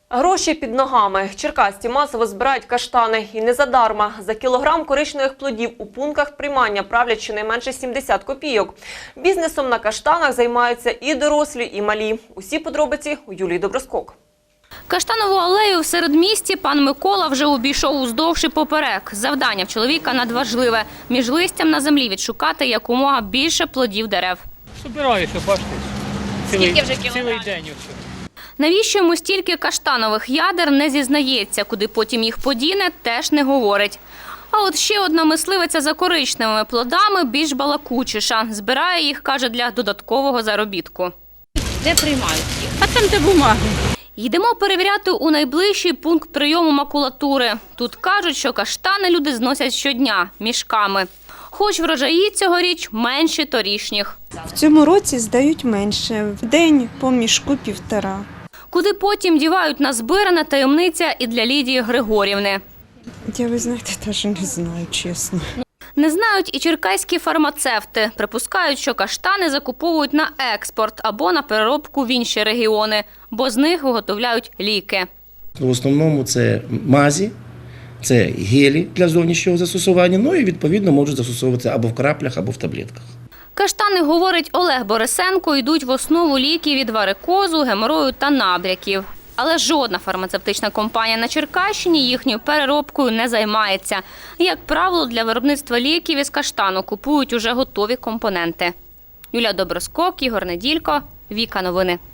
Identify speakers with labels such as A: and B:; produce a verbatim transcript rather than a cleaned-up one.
A: Гроші під ногами. Черкасці масово збирають каштани. І не задарма. За кілограм коричневих плодів у пунктах приймання правлять щонайменше сімдесят копійок. Бізнесом на каштанах займаються і дорослі, і малі. Усі подробиці у Юлії Доброскок.
B: Каштанову алею в середмісті пан Микола вже обійшов уздовж і поперек. Завдання в чоловіка надважливе – між листям на землі відшукати якомога більше плодів дерев.
C: Собираюся, бачите, цілий,
B: Скільки вже кілограмів?
C: цілий день. Оце.
B: Навіщо йому стільки каштанових ядер, не зізнається. Куди потім їх подіне, теж не говорить. А от ще одна мисливиця за коричневими плодами більш балакучіша. Збирає їх, каже, для додаткового заробітку. Де приймають їх?
D: А там де бумаги.
B: Йдемо перевіряти у найближчий пункт прийому макулатури. Тут кажуть, що каштани люди зносять щодня мішками. Хоч врожаї цьогоріч менші торішніх.
D: В цьому році здають менше. В день по мішку півтора.
B: Куди потім дівають назбиране, таємниця і для Лідії Григорівни.
D: Я, ви знаєте, теж не знаю, чесно.
B: Не знають і черкаські фармацевти. Припускають, що каштани закуповують на експорт або на переробку в інші регіони, бо з них виготовляють ліки.
E: В основному це мазі, це гелі для зовнішнього застосування, ну і відповідно можуть застосовуватися або в краплях, або в таблетках.
B: Каштани, говорить Олег Борисенко, йдуть в основу ліків від варикозу, геморою та набряків. Але жодна фармацевтична компанія на Черкащині їхньою переробкою не займається. Як правило, для виробництва ліків із каштану купують уже готові компоненти. Юлія Доброскок, Ігор Неділько, Віка Новини.